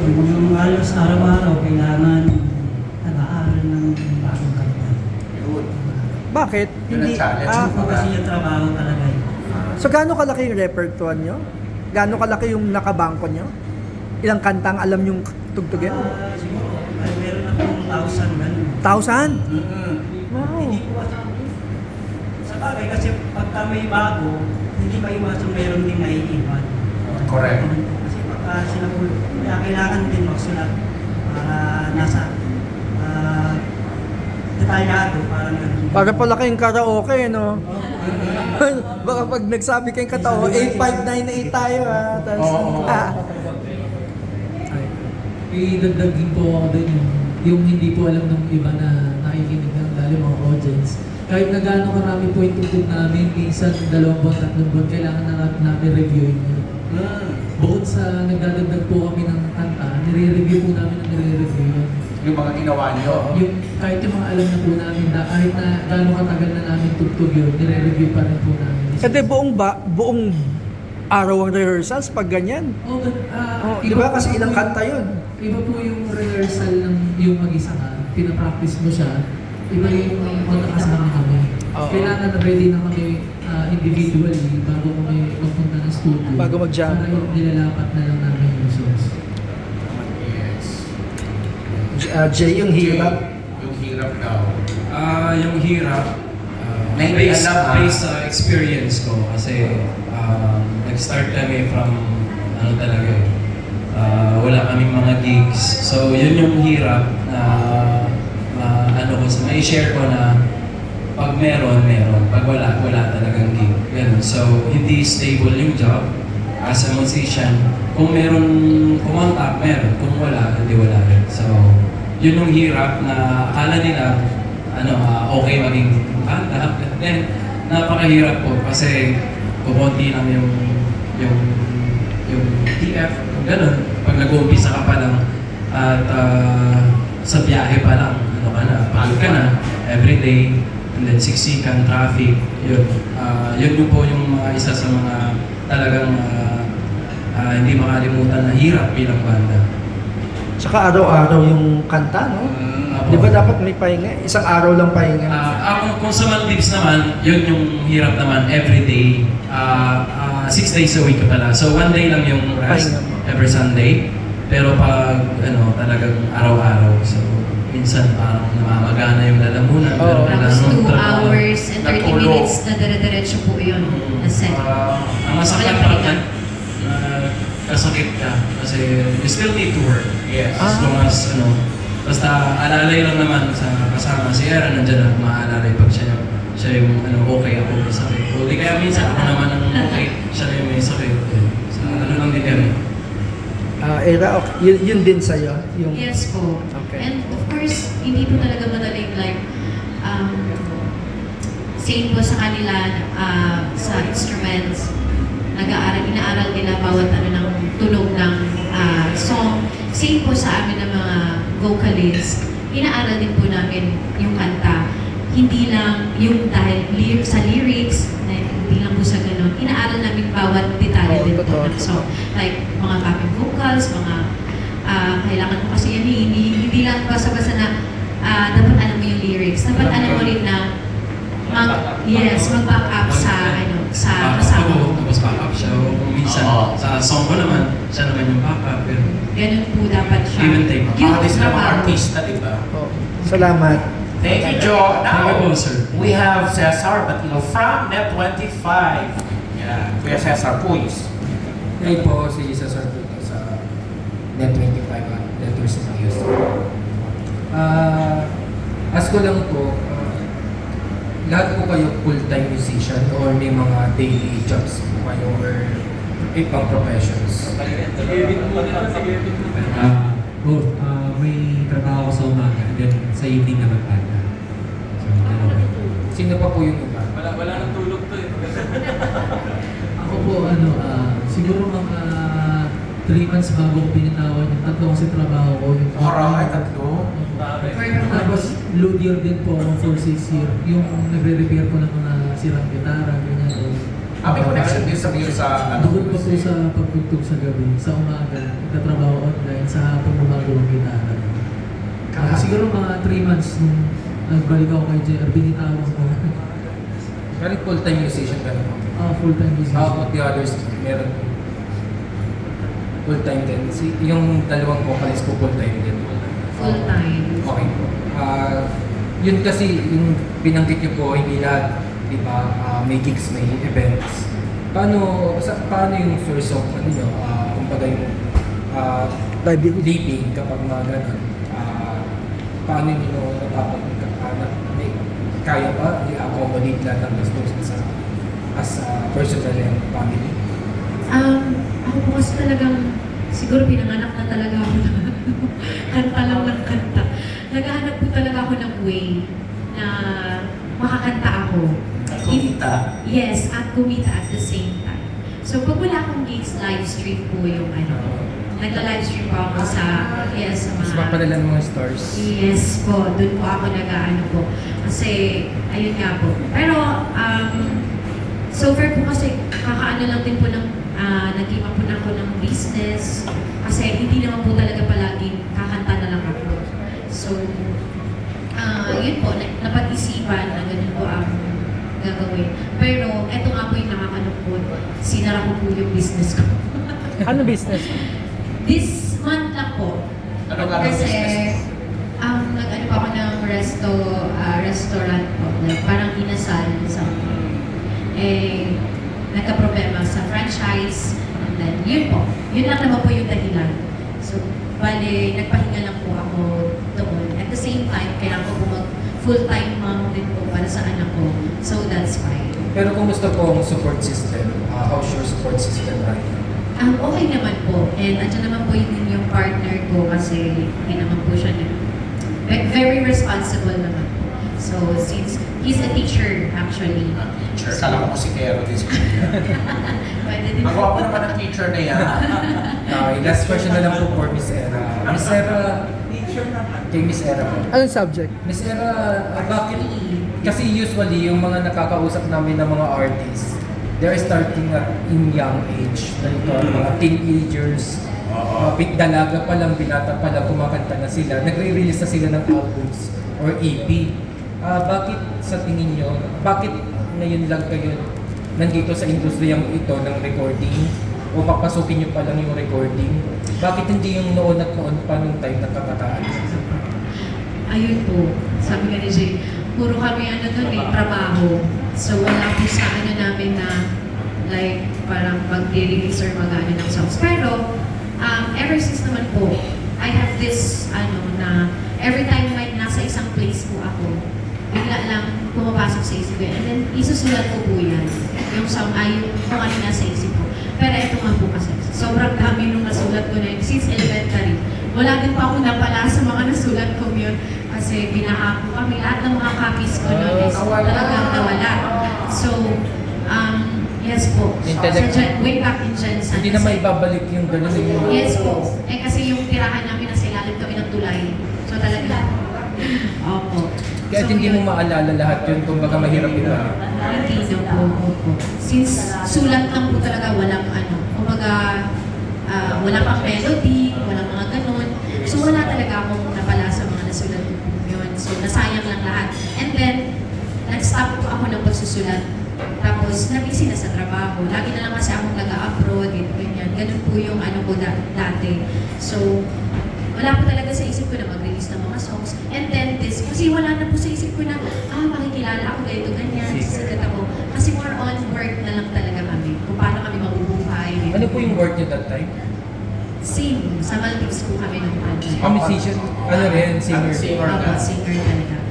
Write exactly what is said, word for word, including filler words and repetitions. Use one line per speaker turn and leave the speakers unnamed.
Yung halos araw-araw, kailangan nag-aaral ng bagong kanta.
Bakit?
Yun ang
Hindi,
challenge.
ah,
Kasi po kasi yung trabaho talaga eh.
so gaano kalaki yung repertoire nyo? Gaano kalaki yung nakabangko nyo? Ilang kantang alam yung tugtugin?
Ah, siguro, ay, meron na pong thousand ganun.
Thousand?
Mm-hmm.
Wow.
Hindi po kasi, sa bagay kasi pagka may bago, hindi maiwasan meron din naiiwan.
Correct.
Kasi pagka sila po, kaya kailangan din magsulat para nasa ah, detalyado, parang ganun.
Para pala kayong karaoke, no? Baka pag nagsabi kayong katao, eight five nine eight tayo, ha? Tapos,
Oo.
ah.
Idagdag din po ako din yung, yung hindi po alam ng iba na nakikinig ng dahil mga audience. Kahit na gaano karami po yung tugtog namin, minsan dalawang buwan, tatlong buwan, kailangan na namin reviewin yun.
Mm.
Bukod sa nagdadagdag po kami ng kanta, nire-review po namin ang nire-review yun.
Yung mga ginawa nyo.
Yung, kahit yung mga alam na po namin na kahit na gaano katagal na namin tugtog yun, nire-review pa rin po namin.
Kasi buong ba, buong araw ang rehearsals pag ganyan.
Oh, but, ah,
Oh, di ba kasi ilang kanta yun?
Iba po yung rehearsal ng yung mag-isa ka, pinapractice mo siya, iba yung magkakasama kami.
Oo.
Kailangan ready na kami ah, individually bago kami magpunta ng studio.
Bago mag-jam.
Para yung nilalapat na lang namin yung songs.
Yes.
Uh, Jay, yung hirap.
Yung hirap daw.
Ah, yung hirap, ah,
May
based,
alam, ah.
based sa experience ko kasi um, nag-start kami from ano talaga eh, ah, wala kaming mga gigs. So yun yung hirap na ah, ano ko, sa may share ko na pag meron, meron. Pag wala, wala talagang gig. Ganun. So hindi stable yung job as a musician. Kung meron kumontak, meron. Kung wala, hindi wala rin. So yun yung hirap na akala nila ano, ah, okay maging kanta. Then, napakahirap po kasi kumonti lang yung yung yung T F, ganun. Pag nag-uumpisa ka pa lang at ah, sa biyahe pa lang, ano ka na, pagod ka na, everyday, and then siksikan, traffic, yun. Ah, yun yung po yung mga isa sa mga talagang ah, ah, hindi makalimutan na hirap bilang banda.
Tsaka araw-araw yung kanta, no?
Mm.
Di ba dapat may pahinga? Isang araw lang pahinga.
Ah, ako, kung sa Maldives naman, yun yung hirap naman every day. Ah, ah, six days a week pala. So one day lang yung rest
Pahinga mo.
every Sunday. Pero pag ano, talagang araw-araw. So minsan parang namamagana yung lalamunan.
Oo.
Pero
Tapos
kailangan
two
magtrabaho.
hours and thirty
Natulog.
minutes na dire-diretso po yun na set.
Ah, ang masakit
Walang
pa
pahinga.
na kasakit ka. Kasi you still need to work.
Yes.
As long as ano, basta alalay lang naman sa kasama si Era, nandiyan na maalalay pag siya yung, siya yung ano, okay ako may sakit. O di kaya minsan ako naman ang okay, siya na yung may sakit. Eh, Sa ano lang din kami.
Ah, era, okay. Yun, yun din sa'yo? Yung...
Yes po.
Okay.
And of course, hindi po talaga madaling like, um, same po sa kanila ah, sa instruments, nag-aaral, inaaral nila bawat ano ng tunog ng ah, song. Same po sa amin ng mga vocalists, inaaral din po namin yung kanta. Hindi lang yung dahil ly- sa lyrics, na hindi lang po sa ganun. Inaaral namin bawat detalye
Oo,
din po
totoo,
ng song. Like mga backing vocals, mga ah, kailangan mo kasi yan, eh, hindi, hindi lang basta-basta na ah, dapat alam mo yung lyrics. Dapat alam mo rin na mag, yes, mag-back up sa ano, sa
Ah,
kasama
ako,
mo.
tapos backup siya. O kung minsan,
Oo.
sa song ko naman, siya naman yung backup. Pero
Ganun po dapat siya.
Give and take.
Yung
Mga sila mga
trabaho.
artista, di ba?
Oh, salamat.
Thank you, Joe.
Thank you
Now,
po, sir.
we have Cesar Batilo from Net twenty-five. Yeah. Kuya Cesar, please.
Ngayon po si Cesar dito sa Net twenty-five at Letters of Houston. Ah, ask ko lang po, ah, lahat po kayo full-time musician or may mga daily jobs po kayo or ibang professions?
Ah, both. Ah, may trabaho ko sa umaga and then sa evening naman banda. So, dalawa.
Sino pa po yung iba?
Wala, wala nang tulog to eh.
Ako po, ano, ah, siguro mga three months bago ko pinitawan yung tatlo kasi trabaho ko. Yung
Alright, tatlo.
Tapos, load year din po ako for six year. Yung nagre-repair ko ng mga sirang gitara, ganyan. O,
Ah, may connection din sa Rio sa ano?
Bukod pa po sa pagtugtog sa gabi, sa umaga, nagtatrabaho online, sa hapon gumagawa ng gitara. Ah, siguro mga three months nung nagbalik ako kay J R, binitawan ko.
Pero full-time musician ka naman.
Ah, full-time business.
How about the others? Meron full-time din. Si, yung dalawang vocalist ko full-time din.
Full time.
Okay po. Ah, yun kasi yung binanggit niyo po, hindi lahat, di ba, ah, may gigs, may events. Paano, sa, paano yung source of, ano nyo, ah, kumbaga yung ah,
Livelihood.
living kapag mga ganun? Ah, paano nyo natapag, ah, na, may, kaya ba i-accommodate lahat ng gastos sa as a personal and family?
Um, ako po kasi talagang, siguro pinanganak na talaga ako na kanta lang ng kanta. Naghahanap po talaga ako ng way na makakanta ako.
Kumita.
Yes, at kumita at the same time. So pag wala akong gigs, live stream po yung ano. Nagla-live stream po ako sa, yes, sa
Mas
mga...
mapalala ng mga stars.
Yes po, doon po ako nag-ano po. Kasi, ayun nga po. Pero, um, so far po kasi, kakaano lang din po ng, uh, nag-iba po na ako ng business. Kasi hindi naman po talaga palagi kakanta na lang ako. So, uh, yun po, na- napag-isipan na ganun po ang gagawin. Pero, eto nga po yung nakakalungkot. Sinara ko po yung business ko.
Ano business?
This month lang po.
Ano nga ang
Kasi,
business?
um, nag-ano pa ako ng resto, ah, restaurant po. Like, parang inasal something. Eh, nagka-problema sa franchise. And then, yun po. Yun lang naman po yung dahilan. So, bale, nagpahinga lang po ako doon. At the same time, kailangan ko po mag full-time mom din po para sa anak ko. So, that's fine.
Pero kumusta po ang support system? Uh, how's your support system right now?
Um, okay naman po. And andyan naman po yun yung partner ko kasi hindi naman po siya na, ve- very responsible naman po. So, since he's a teacher actually.
Ah, teacher. Kala ko si Kero din si Kuya.
Pwede din
Ang gwapo naman ng teacher na yan.
Okay, last question na lang po for Miss Era. Miss Era, kay Miss Era po.
Anong subject?
Miss Era, ah, bakit? Kasi usually, yung mga nakakausap namin ng mga artists, they're starting at in young age. Ganito, mga teenagers, mga pit dalaga pa lang, binata pa lang, kumakanta na sila. Nagre-release na sila ng albums or E P. Ah, bakit sa tingin nyo, bakit ngayon lang kayo nandito sa industriyang ito ng recording? O papasukin nyo pa lang yung recording? Bakit hindi yung noon at noon pa nung time ng kabataan?
Ayun po, sabi nga ni Jay, puro kami ano doon eh, trabaho. So wala po sa ano namin na like parang mag-release or mag-ano ng songs. Pero um, ever since naman po, I have this ano na every time may nasa isang place po ako, bigla lang pumapasok sa isip ko yan. And then isusulat ko po yan. Yung song ay yung kung ano nasa isip ko. Pero ito nga po kasi, sobrang dami nung nasulat ko na yun since elementary. Wala din pa ako napala sa mga nasulat ko yun. Kasi binaha ko kami, lahat ng mga copies ko noon is talagang nawala. So, um, yes po.
Intellect-
Sa Gen, way back in Gen San.
Hindi na maibabalik yung gano'n yung...
Yes po. Eh kasi yung tirahan namin nasa ilalim kami ng tulay. So talaga. Opo.
Kaya
So,
hindi mo
yun.
maalala lahat yun, kumbaga mahirap yun.
Hindi na po. Opo. Since sulat lang po talaga, walang ano. Kumbaga, ah, walang pang melody, walang mga ganun. So wala talaga akong napala sa mga nasulat ko po yun. So nasayang lang lahat. And then, nag-stop po ako ng pagsusulat. Tapos, nabisi na sa trabaho. Lagi na lang kasi akong nag-upload, ganyan. Ganun po yung ano ko da- dati. So, wala po talaga sa isip ko na mag-release ng mga songs. And then this, kasi wala na po sa isip ko na, ah, makikilala ako, ganito, ganyan, sikat ako. Kasi more on work na lang talaga kami. Kung paano kami mabubuhay.
Ano po yung work niyo that time?
Sing, sa Maldives po kami ng ano.
Ah, musician? Ano rin? Singer?
Singer.
Singer talaga.